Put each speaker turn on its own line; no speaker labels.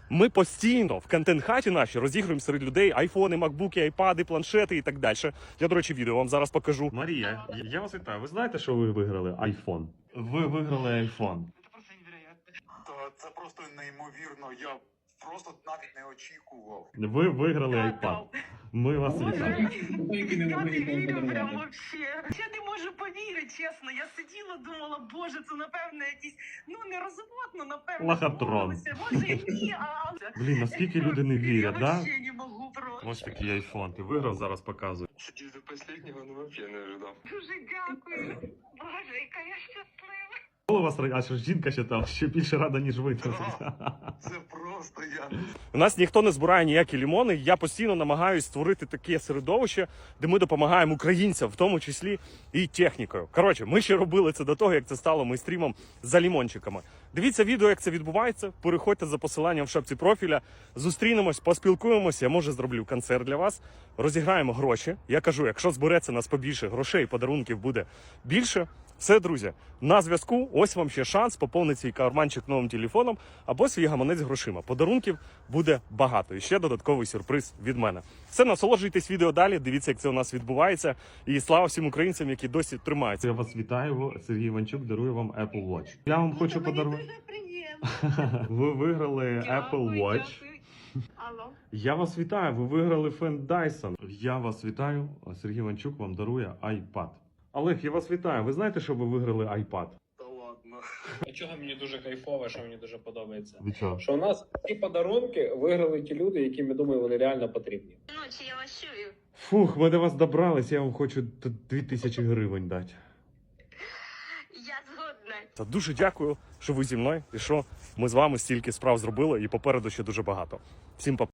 Ми постійно в контент-хаті наші розігруємо серед людей айфони, макбуки, айпади, планшети і так далі. Я, до речі, відео вам зараз покажу. Марія, я вас вітаю. Ви знаєте, що ви виграли айфон? Ви виграли айфон.
Це просто неймовірно. Я просто навіть не очікував.
Ви виграли айпад. Ми вас вітаємо.
Я не вірю прям вообще. Я не можу повірити, чесно. Я сиділа, думала, боже, це напевно якісь, не розводно, напевно.
Лохотрон.
Може, ні,
Блін, наскільки люди не вірять,
я
да?
вообще не можу просто.
Ось такий айфон. Ти виграв, зараз показую.
Сидеть до последнего, вообще не ожидал.
Дуже дякую. Боже, яка я щаслива.
У вас аж жінка ще там, ще більше рада, ніж ви.
Це просто я.
У нас ніхто не збирає ніякі лімони. Я постійно намагаюся створити таке середовище, де ми допомагаємо українцям, в тому числі і технікою. Коротше, ми ще робили це до того, як це стало мейстрімом за лімончиками. Дивіться відео, як це відбувається. Переходьте за посиланням в шапці профіля. Зустрінемось, поспілкуємося. Я, може, зроблю концерт для вас. Розіграємо гроші. Я кажу, якщо збереться нас побільше грошей, подарунків буде більше. Все, друзі, на зв'язку. Ось вам ще шанс поповнити свій карманчик новим телефоном або свій гаманець грошима. Подарунків буде багато. І ще додатковий сюрприз від мене. Все, насолоджуйтесь відео далі, дивіться, як це у нас відбувається. І слава всім українцям, які досі тримаються. Я вас вітаю, Сергій Іванчук дарує вам Apple Watch. Я вам хочу подарувати.
Дуже приємно.
Ви виграли Apple Watch.
Алло.
Я вас вітаю, ви виграли фен Dyson. Я вас вітаю, Сергій Іванчук вам дарує iPad. Олег, я вас вітаю. Ви знаєте, що ви виграли iPad?
Та ладно.
Чого мені дуже кайфово, що мені дуже подобається.
Ви чого?
Що у нас ці подарунки виграли ті люди, яким, я думаю, вони реально потрібні.
Ночі я вас чую.
Фух, ми до вас добрались, я вам хочу 2000 гривень дати.
Я згодна.
Та дуже дякую, що ви зі мною і що ми з вами стільки справ зробили, і попереду ще дуже багато. Всім па.